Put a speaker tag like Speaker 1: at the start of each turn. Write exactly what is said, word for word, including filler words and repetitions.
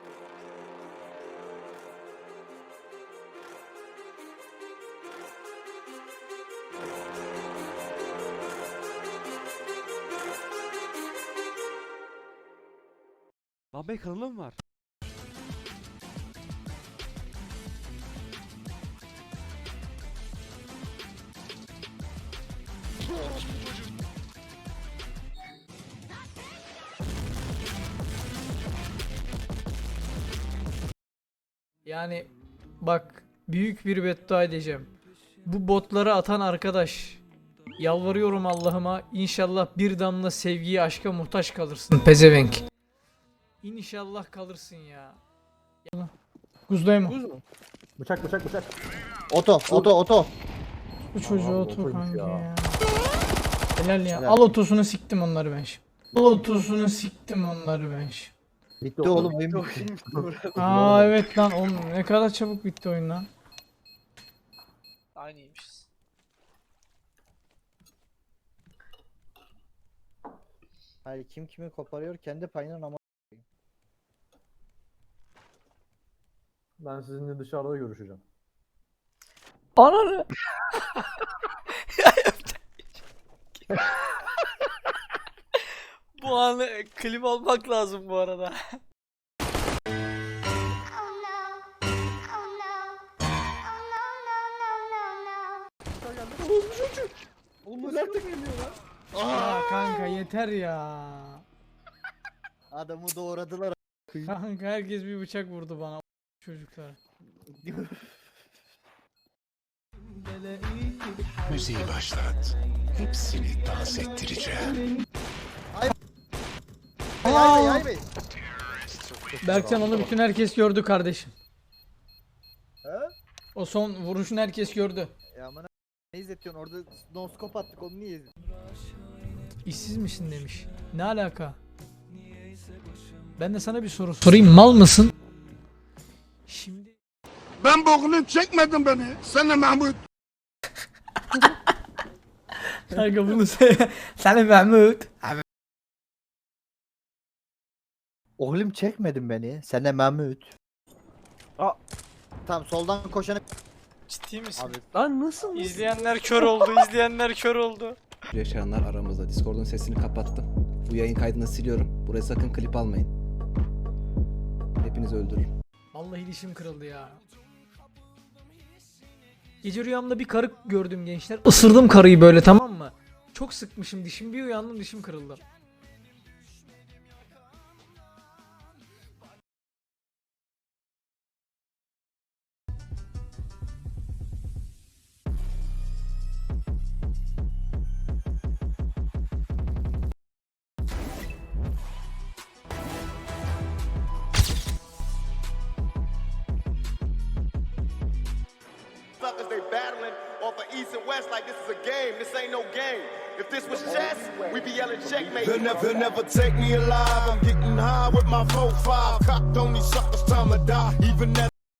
Speaker 1: Lan be kanalım var.
Speaker 2: Yani bak, büyük bir beddua edeceğim. Bu botları atan arkadaş, yalvarıyorum Allah'ıma, inşallah bir damla sevgiye, aşka muhtaç kalırsın pezevenk. İnşallah kalırsın ya. Kuzdayım mı?
Speaker 3: Buz mu? Bıçak bıçak bıçak.
Speaker 4: Oto, oto, oto.
Speaker 2: Bu çocuğu
Speaker 3: Aman,
Speaker 2: otur
Speaker 3: otoymuş
Speaker 2: kanka
Speaker 3: ya.
Speaker 2: ya. Helal ya.
Speaker 4: Helal.
Speaker 2: Al otosunu siktim onları ben şimdi. Al otosunu siktim onları ben şimdi.
Speaker 4: Bitti oğlum oyun bitti.
Speaker 2: Aa evet lan, oğlum ne kadar çabuk bitti oyun lan.
Speaker 5: Aynıymışız.
Speaker 4: Hayır, kim kimi koparıyor kendi payından ama.
Speaker 3: Ben sizinle dışarıda görüşeceğim.
Speaker 2: Ananı.
Speaker 5: Bu anı klip almak lazım bu arada.
Speaker 4: Oğlum bu artık geliyor lan.
Speaker 2: Aa kanka yeter ya.
Speaker 4: Adamı doğradılar.
Speaker 2: Kanka herkes bir bıçak vurdu bana çocuklar.
Speaker 6: Müziği başlat. Hepsini dans ettireceğim.
Speaker 4: Ay ay ay bey.
Speaker 2: Berkcan, onu bütün herkes gördü kardeşim.
Speaker 4: He?
Speaker 2: O son vuruşun herkes gördü.
Speaker 4: Ya aman ne izletiyorsun orada, noskop attık, onu niye izledin?
Speaker 2: İşsiz misin demiş. Ne alaka? Ben de sana bir soru sorayım. Mal mısın? Şimdi
Speaker 6: Ben bokunu çekmedim beni. Sen de Mahmut.
Speaker 2: kanka bunu söyle. Sana Mahmut.
Speaker 4: Oğlum çekmedin beni. Sen de Mahmut.
Speaker 3: Aa.
Speaker 4: Tamam, soldan koşanı
Speaker 5: Ciddi misin?
Speaker 4: abi.
Speaker 3: Lan nasıl?
Speaker 5: İzleyenler kör oldu, izleyenler kör oldu.
Speaker 7: Yaşayanlar aramızda. Discord'un sesini kapattım. Bu yayın kaydını siliyorum. Buraya sakın klip almayın. Hepinizi öldürürüm.
Speaker 2: Vallahi dişim kırıldı ya. Gece rüyamda bir karı gördüm gençler. Isırdım karıyı böyle, tamam mı? Çok sıkmışım dişim, bir uyandım dişim kırıldı.
Speaker 8: Suckers, they battling off of East and West like this is a game. This ain't no game. If this was chess, we'd be yelling checkmate. They'll never, they'll never take me alive. I'm getting high with my four five. Cocked on these suckers, time to die. Even as